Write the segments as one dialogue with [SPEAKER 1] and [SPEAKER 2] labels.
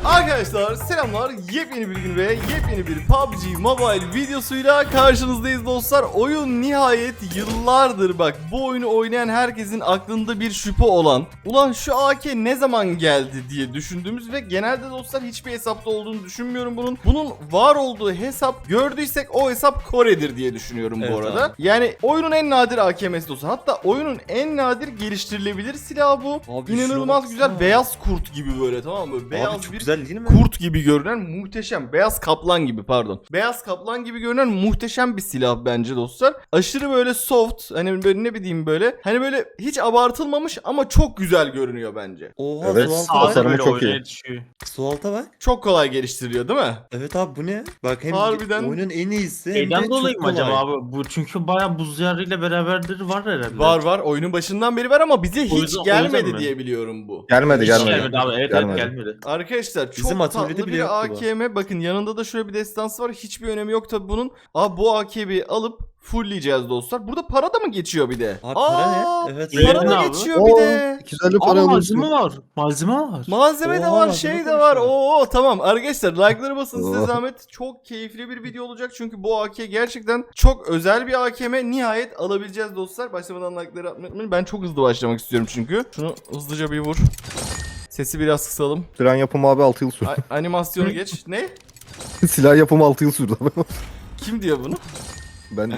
[SPEAKER 1] Arkadaşlar selamlar, yepyeni bir gün ve yepyeni bir PUBG Mobile videosuyla karşınızdayız dostlar. Oyun nihayet yıllardır bak bu oyunu oynayan herkesin aklında bir şüphe olan, ulan şu AK ne zaman geldi diye düşündüğümüz ve genelde dostlar hiçbir hesapta olduğunu düşünmüyorum bunun. Bunun var olduğu hesap gördüysek o hesap Kore'dir diye düşünüyorum bu arada.
[SPEAKER 2] Abi.
[SPEAKER 1] Yani oyunun en nadir AKM'si dostlar, hatta oyunun en nadir geliştirilebilir silahı bu.
[SPEAKER 2] Abi
[SPEAKER 1] İnanılmaz güzel, beyaz kurt gibi böyle, tamam mı? Beyaz
[SPEAKER 2] Abi çok
[SPEAKER 1] bir
[SPEAKER 2] güzel değil mi?
[SPEAKER 1] kurt gibi görünen muhteşem, beyaz kaplan gibi, pardon. Beyaz kaplan gibi görünen muhteşem bir silah bence dostlar. Aşırı böyle soft, hani böyle ne bileyim böyle, hani böyle hiç abartılmamış ama çok güzel görünüyor bence.
[SPEAKER 2] Oha
[SPEAKER 3] Evet,
[SPEAKER 2] su
[SPEAKER 3] sağ
[SPEAKER 2] alta bak.
[SPEAKER 3] tasarımı çok iyi.
[SPEAKER 2] Su alta bak.
[SPEAKER 1] Çok kolay geliştiriliyor değil mi?
[SPEAKER 2] Evet abi bu ne? Bak hem
[SPEAKER 1] Harbiden.
[SPEAKER 2] oyunun en iyisi hem
[SPEAKER 4] Şeyden
[SPEAKER 2] de
[SPEAKER 4] dolayı
[SPEAKER 2] çok
[SPEAKER 4] mı acaba
[SPEAKER 2] kolay.
[SPEAKER 4] abi? Bu çünkü bayağı buz diyarıyla beraberdir var herhalde.
[SPEAKER 1] Var oyunun başından beri var ama bize
[SPEAKER 4] O
[SPEAKER 1] hiç
[SPEAKER 4] yüzden- o
[SPEAKER 1] gelmedi
[SPEAKER 4] yüzden mi?
[SPEAKER 1] diye biliyorum bu.
[SPEAKER 3] Gelmedi
[SPEAKER 4] Hiç
[SPEAKER 3] gelmedi.
[SPEAKER 4] gelmedi abi. Evet
[SPEAKER 3] Gelmedi.
[SPEAKER 4] gelmedi.
[SPEAKER 1] Arkadaşlar çok
[SPEAKER 2] Bizim atölyede
[SPEAKER 1] tatlı
[SPEAKER 2] bile
[SPEAKER 1] bir
[SPEAKER 2] yoktu bu.
[SPEAKER 1] AKM. Bakın yanında da şöyle bir destansı var. Hiçbir önemi yok tabi bunun. Abi bu AKM'yi alıp fullleyeceğiz dostlar. Burada para da mı geçiyor bir de?
[SPEAKER 2] Abi para ne? Evet.
[SPEAKER 1] Para
[SPEAKER 4] Ne
[SPEAKER 1] da
[SPEAKER 4] abi?
[SPEAKER 1] geçiyor bir de.
[SPEAKER 3] 250
[SPEAKER 4] Ama
[SPEAKER 3] para
[SPEAKER 4] malzeme
[SPEAKER 3] alıyorsun.
[SPEAKER 4] var. Malzeme var.
[SPEAKER 1] Malzeme de
[SPEAKER 2] Oha,
[SPEAKER 1] var,
[SPEAKER 2] malzeme
[SPEAKER 1] şey de
[SPEAKER 2] konuşuyor.
[SPEAKER 1] var. Oo tamam arkadaşlar, like'ları basın size
[SPEAKER 3] Oo.
[SPEAKER 1] zahmet. Çok keyifli bir video olacak çünkü bu AK gerçekten çok özel bir AKM. Nihayet alabileceğiz dostlar. Başlamadan like'ları atmayı unutmayın. Ben çok hızlı başlamak istiyorum çünkü. Şunu hızlıca bir vur. Sesi biraz kısalım.
[SPEAKER 3] Tren yapımı abi 6 yıl sürdü.
[SPEAKER 1] Animasyonu geç. Ne?
[SPEAKER 3] Silah yapımı 6 yıl sürdü abi.
[SPEAKER 1] Kim diyor bunu?
[SPEAKER 3] Ben de.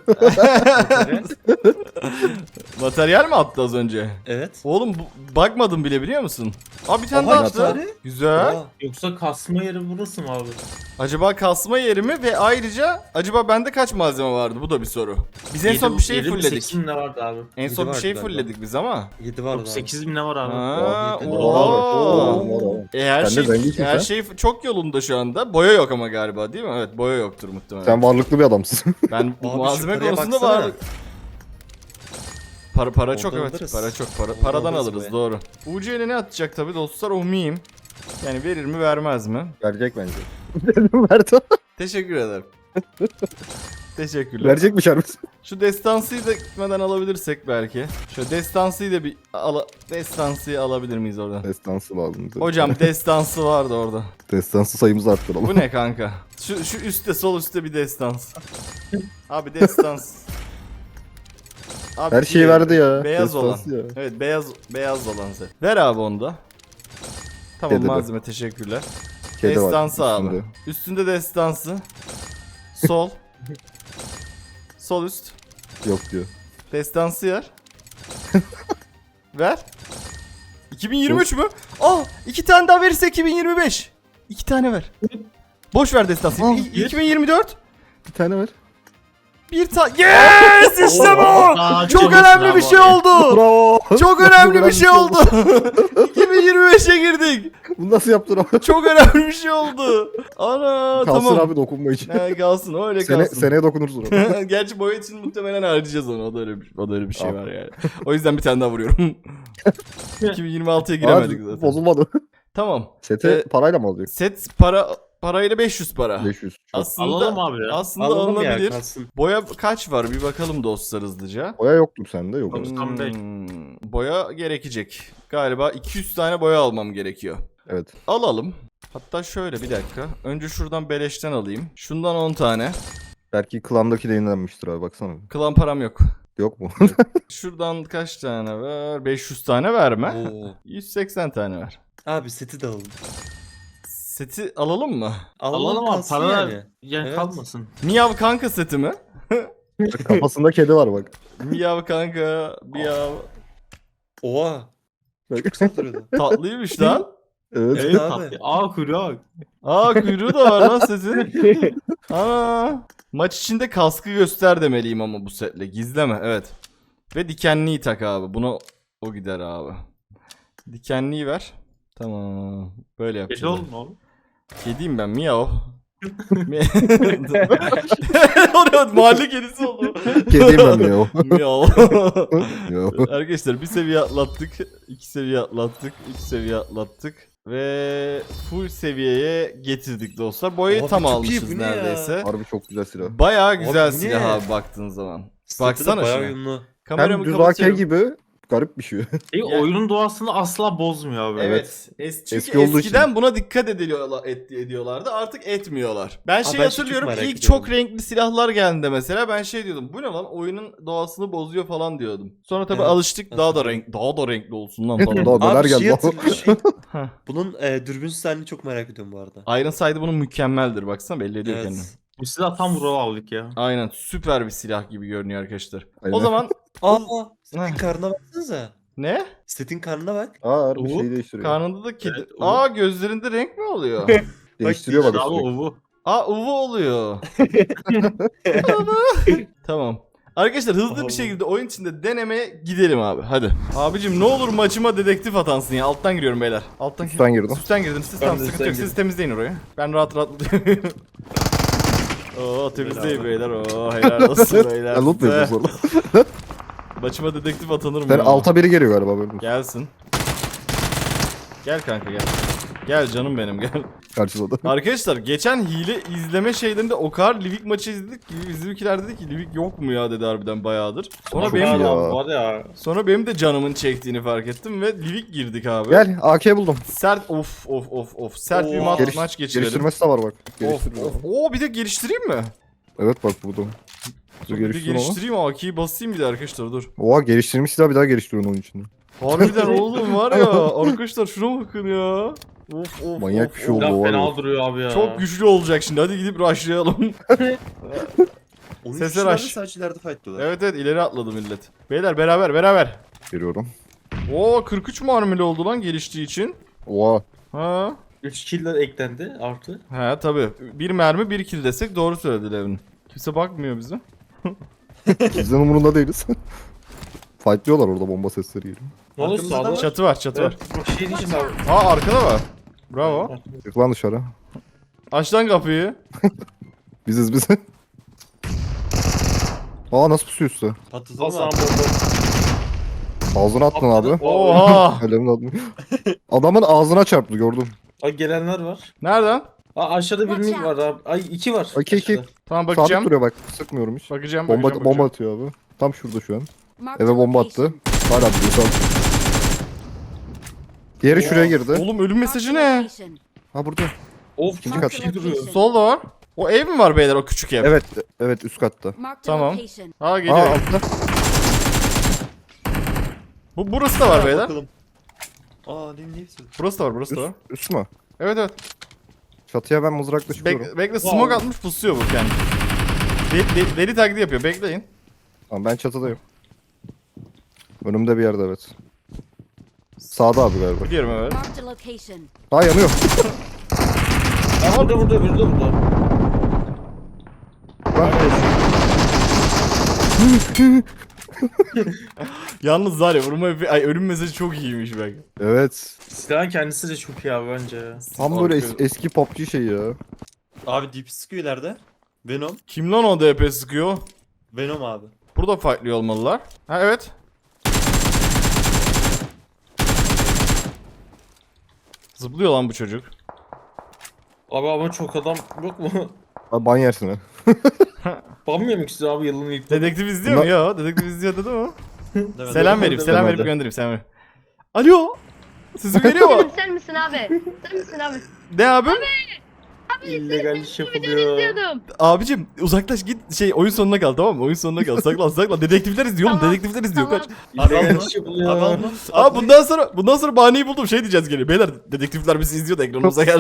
[SPEAKER 1] Materyal mi attı az önce?
[SPEAKER 2] Evet.
[SPEAKER 1] Oğlum bakmadım bile, biliyor musun? Abi bir tane
[SPEAKER 2] Oha,
[SPEAKER 1] daha
[SPEAKER 3] bir
[SPEAKER 1] attı.
[SPEAKER 3] tane.
[SPEAKER 1] Güzel.
[SPEAKER 2] Oha.
[SPEAKER 4] Yoksa kasma yeri burası mı abi?
[SPEAKER 1] Acaba kasma yeri mi ve ayrıca acaba bende kaç malzeme vardı? Bu da bir soru. Biz en son bir şey fullledik.
[SPEAKER 4] 8 bin ne vardı abi?
[SPEAKER 1] En son bir
[SPEAKER 2] Yedi
[SPEAKER 1] şey
[SPEAKER 2] vardı
[SPEAKER 1] fullledik biz ama.
[SPEAKER 2] 7 var abi.
[SPEAKER 4] 8 bin ne var abi?
[SPEAKER 1] Ha,
[SPEAKER 2] yedi.
[SPEAKER 1] ooo. Her
[SPEAKER 3] Sen de
[SPEAKER 1] şey,
[SPEAKER 3] zenginsin
[SPEAKER 1] her
[SPEAKER 3] sen.
[SPEAKER 1] şey çok yolunda şu anda. Boya yok ama galiba, değil mi? Evet, boya yoktur muhtemelen.
[SPEAKER 3] Sen varlıklı bir adamsın.
[SPEAKER 1] Ben
[SPEAKER 2] Abi
[SPEAKER 1] malzeme
[SPEAKER 2] şu paraya
[SPEAKER 1] konusunda
[SPEAKER 2] baksana.
[SPEAKER 1] var. Para çok,
[SPEAKER 2] Oradan
[SPEAKER 1] evet.
[SPEAKER 2] alırız.
[SPEAKER 1] Para çok.
[SPEAKER 2] Oradan
[SPEAKER 1] Paradan
[SPEAKER 2] alırız
[SPEAKER 1] alırız,
[SPEAKER 2] boya.
[SPEAKER 1] doğru. UC ile ne atacak tabi dostlar, o miyim? Yani verir mi vermez mi?
[SPEAKER 3] Verecek bence. Verdi.
[SPEAKER 1] Teşekkür ederim. Teşekkürler.
[SPEAKER 3] Verecekmiş harbi.
[SPEAKER 1] Şu destansıyı da gitmeden alabilirsek belki. Şu destansıyı da bir destansıyı alabilir miyiz oradan?
[SPEAKER 3] Destansı lazım.
[SPEAKER 1] Hocam destansı vardı orada.
[SPEAKER 3] Destansı sayımızı arttıralım.
[SPEAKER 1] Bu ne kanka? Şu üstte, sol üstte bir destans. Abi destans. Abi
[SPEAKER 3] Her şeyi
[SPEAKER 1] diğeri,
[SPEAKER 3] verdi ya.
[SPEAKER 1] Beyaz
[SPEAKER 3] Destansı
[SPEAKER 1] olan.
[SPEAKER 3] ya.
[SPEAKER 1] Evet, beyaz olan set. Ver abi onu da. Tamam,
[SPEAKER 3] Kedi de.
[SPEAKER 1] malzeme, teşekkürler.
[SPEAKER 3] Kedi var
[SPEAKER 1] Destansı abi.
[SPEAKER 3] üstünde.
[SPEAKER 1] Üstünde destansı. Sol. Sol üst.
[SPEAKER 3] Yok diyor.
[SPEAKER 1] Destansı yer. Ver. 2023 mü? Aa, 2 tane daha verirse 2025. 2 tane ver. Boş ver destansı.
[SPEAKER 3] Aa,
[SPEAKER 1] 2024.
[SPEAKER 3] Bir tane ver.
[SPEAKER 1] Bir tane. Yes, işte bu.
[SPEAKER 4] Aa,
[SPEAKER 1] Çok
[SPEAKER 4] çabuk
[SPEAKER 1] önemli
[SPEAKER 4] bravo
[SPEAKER 1] bir şey
[SPEAKER 4] abi.
[SPEAKER 1] oldu.
[SPEAKER 3] Bravo.
[SPEAKER 1] Çok önemli bir şey oldu. 2025'e girdik.
[SPEAKER 3] Bunu nasıl yaptın abi?
[SPEAKER 1] Çok önemli bir şey oldu. Ana,
[SPEAKER 3] Kalsın
[SPEAKER 1] tamam.
[SPEAKER 3] abi dokunma için.
[SPEAKER 1] Kalsın, öyle kalsın.
[SPEAKER 3] Seneye dokunursun ona.
[SPEAKER 1] Gerçi boya için muhtemelen harcayacağız onu. O da öyle bir şey var yani. O yüzden bir tane daha vuruyorum. 2026'ya giremedik
[SPEAKER 3] Abi,
[SPEAKER 1] zaten.
[SPEAKER 3] bozulmadı.
[SPEAKER 1] Tamam.
[SPEAKER 3] Sete parayla mı alacak?
[SPEAKER 1] Set parayla 500 para.
[SPEAKER 3] 500. Çok.
[SPEAKER 1] Aslında
[SPEAKER 4] Alalım abi ya.
[SPEAKER 1] aslında
[SPEAKER 2] Alalım ya
[SPEAKER 1] alınabilir.
[SPEAKER 2] kalsın.
[SPEAKER 1] Boya kaç var bir bakalım dostlar hızlıca.
[SPEAKER 3] Boya yoktu sende yok.
[SPEAKER 4] Yok. Tam değil.
[SPEAKER 1] Boya gerekecek. Galiba 200 tane boya almam gerekiyor.
[SPEAKER 3] Evet.
[SPEAKER 1] Alalım. Hatta şöyle bir dakika. Önce şuradan beleşten alayım. Şundan 10 tane.
[SPEAKER 3] Belki klandaki de yenilenmiştir abi baksana.
[SPEAKER 1] Klan param yok.
[SPEAKER 3] Yok mu?
[SPEAKER 1] Şuradan kaç tane ver? 500 tane verme.
[SPEAKER 2] Oo.
[SPEAKER 1] 180 tane ver.
[SPEAKER 2] Abi seti de alalım.
[SPEAKER 1] Seti alalım mı?
[SPEAKER 4] Alalım abi.
[SPEAKER 2] kalsın
[SPEAKER 4] Para
[SPEAKER 2] yani.
[SPEAKER 4] yani
[SPEAKER 2] Evet.
[SPEAKER 4] kalmasın.
[SPEAKER 1] Miyav kanka seti mi?
[SPEAKER 3] Kafasında kedi var bak.
[SPEAKER 1] Miyav kanka, miyav.
[SPEAKER 2] Oha.
[SPEAKER 3] Bak.
[SPEAKER 2] Çok saldırıyordu.
[SPEAKER 1] Tatlıymış lan.
[SPEAKER 3] Evet.
[SPEAKER 2] Evet
[SPEAKER 4] Abi.
[SPEAKER 2] abi.
[SPEAKER 4] Aa kuyruğa bak.
[SPEAKER 1] Aa, kuyruğu da var lan setin. Ana. Maç içinde kaskı göster demeliyim ama bu setle. Gizleme, evet. Ve dikenliyi tak abi. Buna o gider abi. Dikenliyi ver. Tamam. Böyle
[SPEAKER 4] Geç
[SPEAKER 1] yapacağız.
[SPEAKER 4] oğlum oğlum.
[SPEAKER 1] Kediyim ben, miyav. Oraya mahalle kedisi oldu.
[SPEAKER 3] Kediyim ben de ya.
[SPEAKER 1] Miyav.
[SPEAKER 3] Yok.
[SPEAKER 1] Arkadaşlar bir seviye atlattık. 2 seviye atlattık. 3 seviye atlattık. Ve full seviyeye getirdik dostlar. Boyayı
[SPEAKER 2] Abi
[SPEAKER 1] tam
[SPEAKER 2] çok iyi,
[SPEAKER 1] almışız
[SPEAKER 2] bu ne ya?
[SPEAKER 1] neredeyse.
[SPEAKER 3] Harbi çok güzel silah.
[SPEAKER 1] Bayağı güzel
[SPEAKER 2] Abi bu
[SPEAKER 1] silah
[SPEAKER 2] ne?
[SPEAKER 1] abi baktığın zaman.
[SPEAKER 2] Seti de
[SPEAKER 1] Baksana
[SPEAKER 2] bayağı
[SPEAKER 1] şuna.
[SPEAKER 2] uyumlu.
[SPEAKER 1] Kameramı
[SPEAKER 3] Hem düz AK
[SPEAKER 1] kapatıyorum.
[SPEAKER 3] gibi garip bir şey.
[SPEAKER 4] Oyunun doğasını asla bozmuyor abi.
[SPEAKER 1] Evet. Çünkü
[SPEAKER 3] Eski olduğu
[SPEAKER 1] eskiden buna dikkat ediyorlardı. Artık etmiyorlar. Ben
[SPEAKER 2] ben
[SPEAKER 1] şey
[SPEAKER 2] şu
[SPEAKER 1] hatırlıyorum.
[SPEAKER 2] çok merak
[SPEAKER 1] İlk
[SPEAKER 2] ediyorum.
[SPEAKER 1] çok renkli silahlar geldiğinde mesela ben şey diyordum. Bu ne lan? Oyunun doğasını bozuyor falan diyordum. Sonra tabii
[SPEAKER 2] Evet.
[SPEAKER 1] alıştık. Daha da renkli olsun lan falan.
[SPEAKER 3] Daha neler
[SPEAKER 2] Abi şey
[SPEAKER 3] geldi.
[SPEAKER 2] hatırlıyorum.
[SPEAKER 1] Heh.
[SPEAKER 2] Bunun dürbünsüz halini çok merak ediyorum bu arada.
[SPEAKER 1] Iron Sight bunun mükemmeldir. Baksana belli ediyor kendini.
[SPEAKER 2] Evet.
[SPEAKER 4] Bu silah tam Vural aldık ya.
[SPEAKER 1] Aynen süper bir silah gibi görünüyor arkadaşlar.
[SPEAKER 3] Aynen.
[SPEAKER 1] O zaman
[SPEAKER 2] Aa,
[SPEAKER 1] Heh.
[SPEAKER 2] setin karnına baksanıza.
[SPEAKER 1] ne?
[SPEAKER 2] Setin karnına bak.
[SPEAKER 3] Aa harbi
[SPEAKER 4] Uğur,
[SPEAKER 3] şey değiştiriyor.
[SPEAKER 1] Karnında da kedi.
[SPEAKER 4] Evet,
[SPEAKER 1] Aa gözlerinde renk mi oluyor?
[SPEAKER 3] Değiştiriyor bak.
[SPEAKER 4] Abi
[SPEAKER 3] sürekli.
[SPEAKER 4] o bu.
[SPEAKER 1] Aa uvu oluyor. Tamam. Arkadaşlar hızlı bir
[SPEAKER 2] Allah.
[SPEAKER 1] şekilde oyun içinde denemeye gidelim abi. Hadi. Abicim ne olur maçıma dedektif atansın ya. Alttan giriyorum beyler. Alttan
[SPEAKER 3] Üstten girdim.
[SPEAKER 1] Üstten girdin. Siz
[SPEAKER 4] Ben
[SPEAKER 1] tamam
[SPEAKER 4] de
[SPEAKER 1] sıkıntı
[SPEAKER 4] üstten
[SPEAKER 1] yok. Siz
[SPEAKER 4] girdim.
[SPEAKER 1] temizleyin orayı. Ben rahat Oo temizleyin beyler. Oo helal olsun beyler.
[SPEAKER 3] Ben loot mu
[SPEAKER 1] size.
[SPEAKER 3] yapıyorum sonra?
[SPEAKER 1] Maçıma dedektif atanır mı?
[SPEAKER 3] Sen
[SPEAKER 1] ya?
[SPEAKER 3] alta biri geliyor galiba böyle.
[SPEAKER 1] Gelsin. Gel kanka gel. Gel canım benim gel.
[SPEAKER 3] Karşıda da.
[SPEAKER 1] Arkadaşlar geçen hile izleme şeylerinde o kadar Livik maçı izledik ki bizimkiler dedi ki Livik yok mu ya dedi harbiden bayağıdır. Sonra
[SPEAKER 3] Çok
[SPEAKER 1] benim
[SPEAKER 3] iyi ya.
[SPEAKER 4] Var ya.
[SPEAKER 1] sonra benim de canımın çektiğini fark ettim ve Livik girdik abi.
[SPEAKER 3] Gel AK buldum.
[SPEAKER 1] Sert of sert bir
[SPEAKER 2] Oo.
[SPEAKER 1] maç geçirelim.
[SPEAKER 3] Geliştirmesi de var bak.
[SPEAKER 1] Of
[SPEAKER 3] Geliştiriyor.
[SPEAKER 1] of. Oo bir de geliştireyim mi?
[SPEAKER 3] Evet bak burada. Dur
[SPEAKER 1] Bir de
[SPEAKER 3] geliştirdim ama.
[SPEAKER 1] geliştireyim AK'yi basayım bir de arkadaşlar dur.
[SPEAKER 3] Oha geliştirmiş daha bir daha geliştiriyorsun onun içinde.
[SPEAKER 1] Harbiden oğlum var ya arkadaşlar şuna bakın ya. Of
[SPEAKER 3] Manyak bir şey oldu.
[SPEAKER 4] Silah
[SPEAKER 3] var ya.
[SPEAKER 4] fena duruyor abi ya.
[SPEAKER 1] Çok güçlü olacak şimdi hadi gidip rushlayalım.
[SPEAKER 2] Onun
[SPEAKER 1] Sesler
[SPEAKER 2] kişiler de
[SPEAKER 1] aç.
[SPEAKER 2] sadece ileride fight diyorlar.
[SPEAKER 1] Evet ileri atladı millet. Beyler beraber.
[SPEAKER 3] Geliyorum.
[SPEAKER 1] Oo 43 marmeli oldu lan geliştiği için.
[SPEAKER 3] Oha.
[SPEAKER 1] Ha.
[SPEAKER 4] 3 killer eklendi artı.
[SPEAKER 1] He tabi. Bir mermi bir kill desek doğru söyledi Levin. Kimse bakmıyor bize.
[SPEAKER 3] Bizden umurunda değiliz. Fightlıyorlar orada bomba sesleri geliyor.
[SPEAKER 4] Ne olur
[SPEAKER 2] Arkamızda da
[SPEAKER 4] sağda.
[SPEAKER 2] var.
[SPEAKER 1] Çatı var çatı var.
[SPEAKER 4] Bak şey diyeceğim abi.
[SPEAKER 1] Aa arkada var. Bravo.
[SPEAKER 3] Çık lan dışarı.
[SPEAKER 1] Aç lan kapıyı.
[SPEAKER 3] Biziz biz. Aa nasıl pusuyor üstü?
[SPEAKER 2] Patladı
[SPEAKER 4] Hasan
[SPEAKER 2] mı?
[SPEAKER 4] bomba.
[SPEAKER 3] Ağzına attın abi.
[SPEAKER 1] Oha.
[SPEAKER 3] Elimin adını. Adamın ağzına çarptı gördüm.
[SPEAKER 4] Ay gelenler var.
[SPEAKER 1] Nereden?
[SPEAKER 4] Aa aşağıda bir mid var abi. Ay 2 var.
[SPEAKER 3] İki, iki.
[SPEAKER 4] aşağıda.
[SPEAKER 1] Tamam
[SPEAKER 3] Sabit
[SPEAKER 1] bakacağım.
[SPEAKER 3] duruyor bak. Sıkmıyorum hiç.
[SPEAKER 1] Bakacağım.
[SPEAKER 3] Bomba atıyor abi. Tam şurada şu an. Eve bomba attı. Hala duruyor sağ. Diğeri şuraya girdi.
[SPEAKER 1] Oğlum ölüm mesajı ne?
[SPEAKER 3] Ha burada.
[SPEAKER 4] Of
[SPEAKER 3] İkinci
[SPEAKER 4] çok
[SPEAKER 3] kat.
[SPEAKER 4] şey duruyor.
[SPEAKER 1] Solda var. O ev mi var beyler o küçük ev?
[SPEAKER 3] Evet, evet üst katta.
[SPEAKER 1] Tamam. Ha
[SPEAKER 3] Aa
[SPEAKER 1] geliyor.
[SPEAKER 3] altta.
[SPEAKER 1] Burası da var
[SPEAKER 2] Ha,
[SPEAKER 1] beyler.
[SPEAKER 2] bakalım. Aa ne istiyorsun?
[SPEAKER 1] Burası da var.
[SPEAKER 3] Üst mü?
[SPEAKER 1] Evet.
[SPEAKER 3] Çatıya ben mızrakla çıkıyorum.
[SPEAKER 1] Bekle smoke atmış pusuyor bu kendi. Deli taklidi yapıyor bekleyin.
[SPEAKER 3] Tamam ben çatıdayım. Önümde bir yerde evet. Sağda abi galiba.
[SPEAKER 1] Gidiyorum evet.
[SPEAKER 3] Ha yanıyor.
[SPEAKER 4] Aa burada.
[SPEAKER 1] Yalnız var ya ölüm mesajı çok iyiymiş bak.
[SPEAKER 3] Evet.
[SPEAKER 4] Silahın kendisi de çok iyi abi bence ya.
[SPEAKER 3] Tam böyle eski PUBG şeyi ya.
[SPEAKER 2] Abi DP sıkıyor ileride. Venom.
[SPEAKER 1] Kim lan o DP sıkıyor?
[SPEAKER 2] Venom abi.
[SPEAKER 1] Burada fightlıyor olmalılar. Ha evet. Zıplıyor lan bu çocuk.
[SPEAKER 4] Abi ama çok adam yok mu?
[SPEAKER 3] Abi ban yersin ha.
[SPEAKER 4] Banmıyor mu size abi yılın ilk?
[SPEAKER 1] Dedektif izliyor mu ya? Dedektif izliyor dedi mi?
[SPEAKER 2] Demedim.
[SPEAKER 1] Selam vereyim, selam verip
[SPEAKER 3] Demedi.
[SPEAKER 1] göndereyim, selam vereyim. Alo. Sesim geliyor mu?
[SPEAKER 5] Sen misin abi? Sen misin abi?
[SPEAKER 1] Ne abim?
[SPEAKER 4] illegal iş
[SPEAKER 5] Video
[SPEAKER 4] yapılıyor.
[SPEAKER 5] izliyordum.
[SPEAKER 1] Abicim uzaklaş git oyun sonuna kal tamam mı? Oyun sonuna kal. Saklan. Dedektifler izliyor oğlum.
[SPEAKER 5] Tamam,
[SPEAKER 1] Dedektifler izliyor kaç.
[SPEAKER 5] tamam.
[SPEAKER 2] Abi
[SPEAKER 4] İllegal
[SPEAKER 2] alma.
[SPEAKER 4] iş
[SPEAKER 2] Abi
[SPEAKER 4] yapılıyor.
[SPEAKER 2] alma.
[SPEAKER 1] Aa bundan sonra bahaneyi buldum. Şey diyeceğiz gene. Beyler dedektifler bizi izliyor da ekranımıza geldi.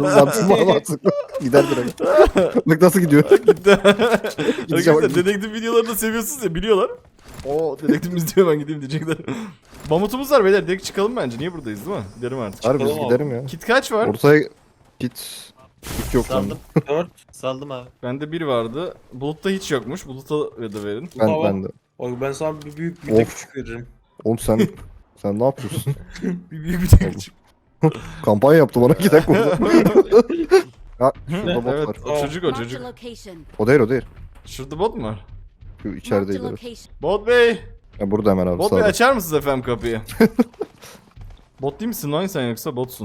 [SPEAKER 3] Gider direkt. Bak nasıl gidiyor.
[SPEAKER 1] Gitti.
[SPEAKER 3] Gideceğim.
[SPEAKER 1] Arkadaşlar dedektif videolarını seviyorsunuz ya biliyorlar. O dedektif izliyor ben gideyim diyecekler. Mamutumuz var beyler direkt çıkalım bence. Niye buradayız değil mi? Gidelim artık.
[SPEAKER 3] Harbi biz
[SPEAKER 4] Çıkalım
[SPEAKER 3] giderim ya.
[SPEAKER 1] Kit kaç var?
[SPEAKER 3] Ortaya git. Git yok
[SPEAKER 2] Saldım.
[SPEAKER 3] bende.
[SPEAKER 4] 4.
[SPEAKER 2] Saldım abi.
[SPEAKER 1] Bende bir vardı. Bulut'ta hiç yokmuş. Bulut'a da verin.
[SPEAKER 3] Ben bende.
[SPEAKER 4] Bak ben sana bir büyük bir de
[SPEAKER 3] Of.
[SPEAKER 4] küçük veririm.
[SPEAKER 3] Oğlum sen ne yapıyorsun?
[SPEAKER 1] Bir büyük bir tek küçük.
[SPEAKER 3] Kampanya yaptı bana 2 dakika orada. Ha şurada bot
[SPEAKER 1] Evet
[SPEAKER 3] var.
[SPEAKER 1] o çocuk o çocuk.
[SPEAKER 3] O değil o değil.
[SPEAKER 1] Şurada bot mu var?
[SPEAKER 3] Şu içerideydi. Evet.
[SPEAKER 1] Bot bey.
[SPEAKER 3] Ya burada hemen abi
[SPEAKER 1] Bot bey
[SPEAKER 3] sağda.
[SPEAKER 1] açar mısınız efendim kapıyı? Bot değil misin lan sen yoksa botsun.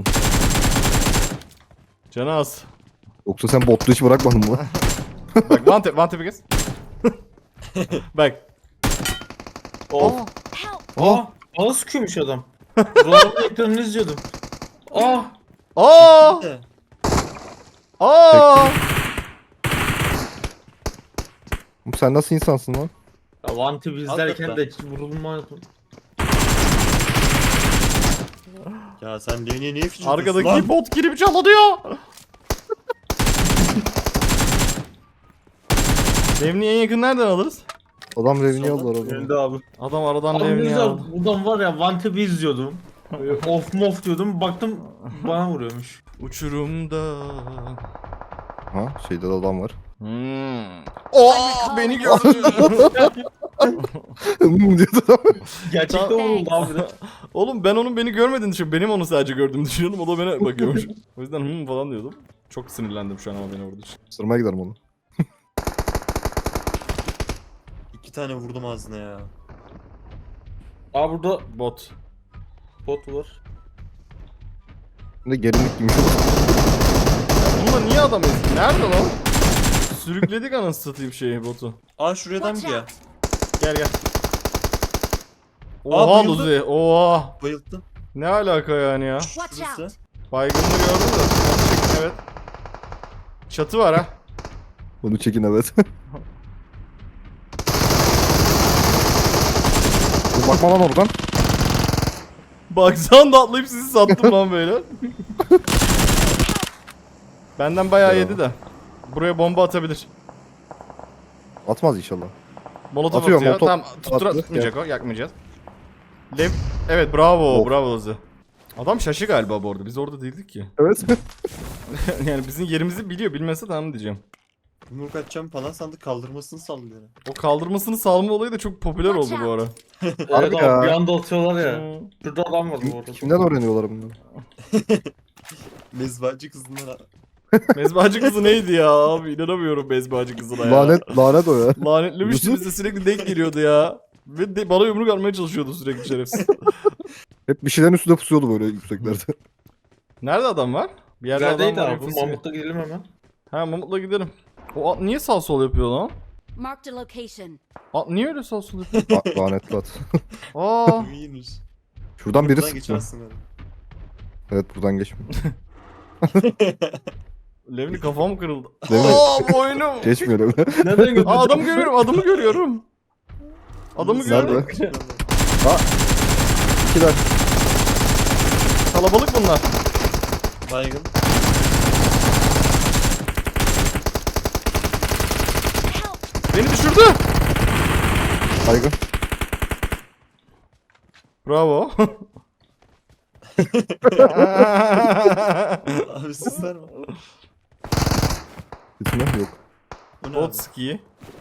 [SPEAKER 1] Canı az.
[SPEAKER 3] Yoksa sen botlu hiç bırakmadın mı?
[SPEAKER 1] Bak one tap kes. Bak.
[SPEAKER 4] Oh.
[SPEAKER 3] Aa
[SPEAKER 4] Bana sıkıyormuş adam. Buraların ekranını izliyordum. Ah!
[SPEAKER 1] Aa!
[SPEAKER 2] De.
[SPEAKER 1] Aa!
[SPEAKER 3] Oğlum sen nasıl insansın lan?
[SPEAKER 4] Ya Vantip izlerken
[SPEAKER 2] Hakikaten.
[SPEAKER 4] de vurulmadım.
[SPEAKER 2] Ya sen niye fişi
[SPEAKER 1] Arkadaki bot girip çalınıyor. Levni en yakın nereden alırız?
[SPEAKER 3] Adam revini
[SPEAKER 2] Soldan
[SPEAKER 3] aldı arada.
[SPEAKER 4] Önde abi.
[SPEAKER 1] Adam aradan
[SPEAKER 4] Abi ne
[SPEAKER 1] Levni'yi
[SPEAKER 4] güzel,
[SPEAKER 1] aldı.
[SPEAKER 4] buradan var ya Vantip'i izliyordum. Böyle of mof diyordum. Baktım bana vuruyormuş.
[SPEAKER 1] Uçurumda.
[SPEAKER 3] Ha şeyde de adam var.
[SPEAKER 1] Beni gördü.
[SPEAKER 3] Diyordu adam.
[SPEAKER 4] Gerçekten vuruldu abi de.
[SPEAKER 1] Oğlum ben onun beni görmediğini düşünüyorum. Benim onu sadece gördüğümü düşünüyordum. O da bana bakıyormuş. O yüzden falan diyordum. Çok sinirlendim şu an ama beni vurduğu için.
[SPEAKER 3] Sırmaya giderim onu.
[SPEAKER 2] 2 tane vurdum ağzına ya.
[SPEAKER 4] Aa burada
[SPEAKER 1] Bot.
[SPEAKER 4] bot var.
[SPEAKER 3] Şimdi gelinlik giymiş.
[SPEAKER 1] Bunda niye adam ezdi? Nerede lan? Sürükledik anasını satayım şeyi botu.
[SPEAKER 2] Aa şuraya adam mı ya?
[SPEAKER 1] Gel gel.
[SPEAKER 2] Aa,
[SPEAKER 1] Oha
[SPEAKER 2] bayıldı.
[SPEAKER 1] Luzi. Oha.
[SPEAKER 2] Bayılttım.
[SPEAKER 1] Ne alaka yani ya?
[SPEAKER 5] Watch
[SPEAKER 2] Şurası.
[SPEAKER 5] out.
[SPEAKER 1] Baygınlığı gördüm de. Evet. Çatı var ha.
[SPEAKER 3] Bunu çekin evet. Dur, bakma lan oradan.
[SPEAKER 1] Baksan da atlayıp sizi sattım lan böyle. Benden bayağı
[SPEAKER 3] Ya.
[SPEAKER 1] yedi de. Buraya bomba atabilir.
[SPEAKER 3] Atmaz inşallah.
[SPEAKER 1] Molotof
[SPEAKER 3] Atıyor,
[SPEAKER 1] atıyor.
[SPEAKER 3] molotof
[SPEAKER 1] Tamam
[SPEAKER 3] attı.
[SPEAKER 1] tutmayacak o. Yakmayacağız. Evet bravo
[SPEAKER 3] Of.
[SPEAKER 1] bravo Luzi. Adam şaşı galiba bu arada. Biz orada değildik ki.
[SPEAKER 3] Evet.
[SPEAKER 1] Yani bizim yerimizi biliyor. Bilmese tamam diyeceğim.
[SPEAKER 2] Yumruk atacağım falan sandık kaldırmasını sallıyor.
[SPEAKER 1] O kaldırmasını salma olayı da çok popüler oldu bu ara.
[SPEAKER 4] Evet
[SPEAKER 3] Harbi
[SPEAKER 4] abi
[SPEAKER 3] ya.
[SPEAKER 4] bir anda atıyorlar ya.
[SPEAKER 1] Hmm.
[SPEAKER 4] Şurada adam var bu arada.
[SPEAKER 3] Kimden öğreniyorlar bunları?
[SPEAKER 2] Mezbacı kızından.
[SPEAKER 1] Mezbacı kızı neydi ya abi? İnanamıyorum mezbacı kızına ya.
[SPEAKER 3] Lanet o ya.
[SPEAKER 1] Lanetlemişti bize sürekli denk geliyordu ya. Ve bana yumruk atmaya çalışıyordu sürekli şerefsiz.
[SPEAKER 3] Hep bir şeylerin üstünde pusuyordu böyle yükseklerde.
[SPEAKER 1] Nerede adam var? Bir yerde adam
[SPEAKER 4] Neredeydi
[SPEAKER 1] var.
[SPEAKER 4] abi?
[SPEAKER 1] infosu yok.
[SPEAKER 4] Mamut'ta gidelim hemen.
[SPEAKER 1] Ha Mamut'la gidelim. O at niye sağ sol yapıyor lan?
[SPEAKER 5] Marked a location.
[SPEAKER 1] At niye öyle sağ sol yapıyor?
[SPEAKER 3] Lanetli at.
[SPEAKER 1] Aa.
[SPEAKER 2] İyiymiş.
[SPEAKER 3] Şuradan biri
[SPEAKER 2] Buradan
[SPEAKER 3] sıktı.
[SPEAKER 2] geçersin böyle.
[SPEAKER 3] Evet buradan geçmiyor.
[SPEAKER 1] Levni kafam kırıldı.
[SPEAKER 3] Levni-
[SPEAKER 1] Aa boynum.
[SPEAKER 3] Geçmiyor öyle.
[SPEAKER 4] Nereden gördün?
[SPEAKER 1] Aa adamı görüyorum, adamı görüyorum. Adamı
[SPEAKER 2] Nerede?
[SPEAKER 1] gördüm.
[SPEAKER 3] İkiler.
[SPEAKER 1] Kalabalık bunlar.
[SPEAKER 2] Baygın.
[SPEAKER 1] Beni düşürdü.
[SPEAKER 3] Baygın.
[SPEAKER 1] Bravo.
[SPEAKER 2] Abi siz var mı?
[SPEAKER 3] Gitme yok.
[SPEAKER 2] O ne
[SPEAKER 1] Bot
[SPEAKER 2] abi?
[SPEAKER 1] ski.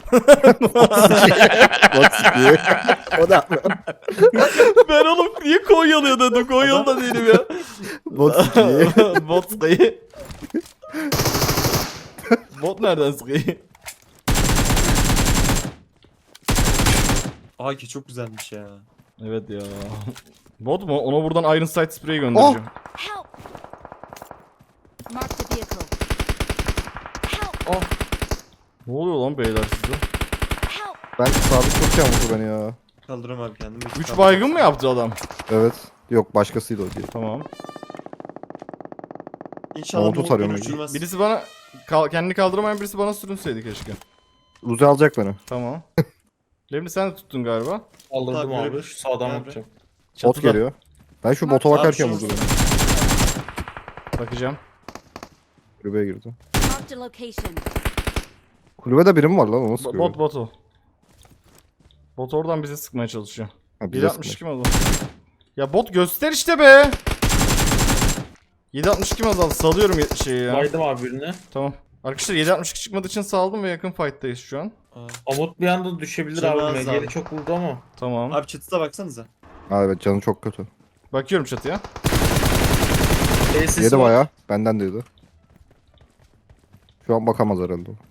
[SPEAKER 3] Bak sıkıyor. O da.
[SPEAKER 1] Ben oğlum niye Konyalı'ya dedim? Konyalı da değilim ya.
[SPEAKER 3] Bot sıkıyor.
[SPEAKER 1] Bot skiyi. Bot nereden skiyi?
[SPEAKER 2] Aa ki çok güzelmiş ya.
[SPEAKER 1] Evet ya. Bot mu? Ona buradan Iron Sight Spray'i göndereceğim.
[SPEAKER 5] Help. Marked a vehicle. Help.
[SPEAKER 1] Ne oluyor lan beyler size?
[SPEAKER 5] Help.
[SPEAKER 3] Ben sabit çok yağmurdu beni ya.
[SPEAKER 2] Kaldırım abi kendimi.
[SPEAKER 1] 3 baygın mı yaptı adam?
[SPEAKER 3] Evet. Yok başkasıydı o diye.
[SPEAKER 1] Tamam.
[SPEAKER 2] İnşallah
[SPEAKER 3] Motor
[SPEAKER 2] bu
[SPEAKER 3] sarıyorum.
[SPEAKER 2] uçurmaz.
[SPEAKER 1] Birisi bana kendini kaldıramayan birisi bana sürünseydi keşke.
[SPEAKER 3] Uzi alacak beni.
[SPEAKER 1] Tamam. Levni sen de tuttun galiba.
[SPEAKER 4] Aldırdım
[SPEAKER 2] Tabii,
[SPEAKER 4] abi.
[SPEAKER 2] böyle-
[SPEAKER 4] Şu sağdan
[SPEAKER 2] Tabii.
[SPEAKER 4] bakacağım.
[SPEAKER 3] Bot
[SPEAKER 1] Çatıda.
[SPEAKER 3] geliyor. Ben şu bota bakarken
[SPEAKER 2] Abi
[SPEAKER 3] vurdu
[SPEAKER 2] şu-
[SPEAKER 3] beni.
[SPEAKER 1] Bakacağım.
[SPEAKER 3] Kulübeye girdi.
[SPEAKER 5] Marked a location.
[SPEAKER 3] Kulübede biri mi var lan onu sıkıyor.
[SPEAKER 1] Bot o. Bot oradan bize sıkmaya çalışıyor.
[SPEAKER 3] Ha, bize
[SPEAKER 1] 762 mi azaldı? Ya bot göster işte be. 762 mi azaldı? Salıyorum şeyi ya.
[SPEAKER 4] Baydım abi birine.
[SPEAKER 1] Tamam. Arkadaşlar 762 çıkmadığı için saldım ve yakın fight'tayız şu an.
[SPEAKER 2] Aa.
[SPEAKER 4] Amut bir anda düşebilir
[SPEAKER 2] Canı
[SPEAKER 4] abi.
[SPEAKER 2] az
[SPEAKER 4] MG'li
[SPEAKER 2] abi.
[SPEAKER 4] çok vurdu ama.
[SPEAKER 1] Tamam.
[SPEAKER 2] Abi çatıda baksanıza.
[SPEAKER 3] Ha evet canı çok kötü.
[SPEAKER 1] Bakıyorum çatıya.
[SPEAKER 4] Tesis
[SPEAKER 3] Yedi
[SPEAKER 4] var.
[SPEAKER 3] bayağı. Benden de yedi. Şu an bakamaz herhalde o.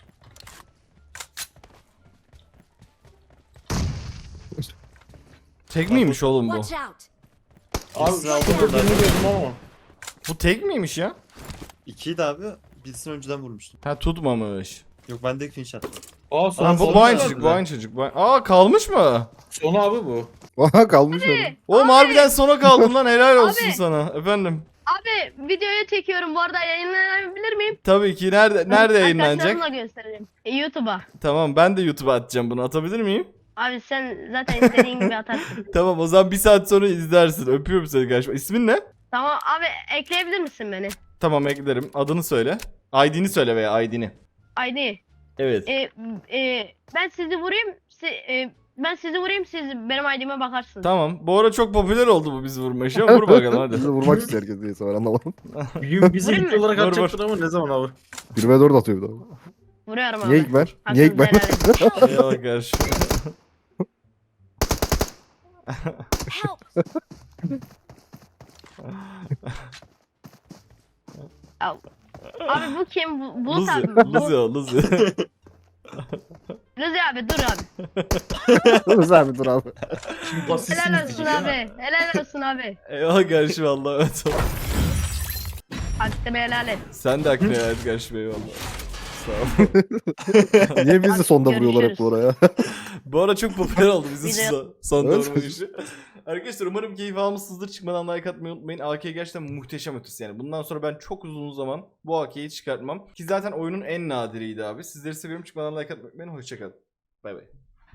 [SPEAKER 1] Tek miymiş oğlum bu?
[SPEAKER 5] Watch out.
[SPEAKER 4] Abi
[SPEAKER 2] Birisini aldım
[SPEAKER 4] şurada
[SPEAKER 2] oradan.
[SPEAKER 4] birini gördüm ama.
[SPEAKER 1] Bu tek miymiş ya?
[SPEAKER 2] 2'yi de abi birisini önceden vurmuştum.
[SPEAKER 1] Ha tutmamış.
[SPEAKER 2] Yok bende clean shot.
[SPEAKER 4] Aa
[SPEAKER 1] Aa,
[SPEAKER 4] son
[SPEAKER 1] bu aynı çocuk, bu aynı çocuk. Aa, kalmış mı?
[SPEAKER 4] Son abi bu.
[SPEAKER 3] Aha kalmış öyle.
[SPEAKER 1] Oğlum harbiden sona kaldın lan, helal olsun
[SPEAKER 6] Abi.
[SPEAKER 1] sana. Efendim.
[SPEAKER 6] Abi videoyu çekiyorum bu arada, yayınlanabilir miyim?
[SPEAKER 1] Tabii ki, nerede yayınlanacak?
[SPEAKER 6] Arkadaşlarımla göstereceğim. YouTube'a.
[SPEAKER 1] Tamam, ben de YouTube'a atacağım bunu, atabilir miyim?
[SPEAKER 6] Abi sen zaten istediğin gibi atarsın.
[SPEAKER 1] Tamam, o zaman bir saat sonra izlersin. Öpüyorum seni kardeşim. İsmin ne?
[SPEAKER 6] Tamam abi, ekleyebilir misin beni?
[SPEAKER 1] Tamam, eklerim. Adını söyle. ID'ni söyle veya ID'ni.
[SPEAKER 6] ID.
[SPEAKER 1] Evet.
[SPEAKER 6] Ben sizi vurayım. Ben sizi vurayım, siz benim ID'me bakarsınız.
[SPEAKER 1] Tamam. Bu ara çok popüler oldu bu bizi vurma işi. Vur bakalım hadi.
[SPEAKER 3] Bizi vurmak istiyor herkes neyse ben anlamadım.
[SPEAKER 4] Bir gün bizi
[SPEAKER 6] Vurayım
[SPEAKER 4] ilk
[SPEAKER 6] mı?
[SPEAKER 4] olarak
[SPEAKER 1] Vur,
[SPEAKER 4] atacaktın ama ne zaman abi?
[SPEAKER 3] 1v4 atıyor bir daha.
[SPEAKER 6] Vuruyorum abi.
[SPEAKER 3] Niye ilk ben? Niye ilk ben?
[SPEAKER 6] Hakkınızı helal edin.
[SPEAKER 1] Eyvallah kardeşim.
[SPEAKER 5] Help!
[SPEAKER 6] Abi bu kim? Bulut
[SPEAKER 1] Luzi.
[SPEAKER 6] abi.
[SPEAKER 1] Luzi o, Luzi.
[SPEAKER 6] Luzi abi dur abi.
[SPEAKER 3] Dur abi dur abi.
[SPEAKER 4] Şimdi basitsin
[SPEAKER 6] Helal olsun abi. Helal olsun abi.
[SPEAKER 1] Eyvallah kardeşim, Allah'a emanet ol.
[SPEAKER 6] Hakkını helal et.
[SPEAKER 1] Sen de hakkını helal et kardeşim, eyvallah. Sağ ol.
[SPEAKER 3] Niye bizi sonda vuruyorlar hep
[SPEAKER 6] Görüşürüz.
[SPEAKER 3] bu oraya?
[SPEAKER 1] Bu ara çok popüler oldu bizim
[SPEAKER 6] Video-
[SPEAKER 1] son
[SPEAKER 3] Evet.
[SPEAKER 1] vurma işi. Arkadaşlar umarım keyif almışsınızdır. Çıkmadan like atmayı unutmayın. AK gerçekten muhteşem ötesi yani. Bundan sonra ben çok uzun zaman bu AK'yi çıkartmam. Ki zaten oyunun en nadiriydi abi. Sizleri seviyorum. Çıkmadan like atmayı unutmayın. Hoşçakalın. Bay bay.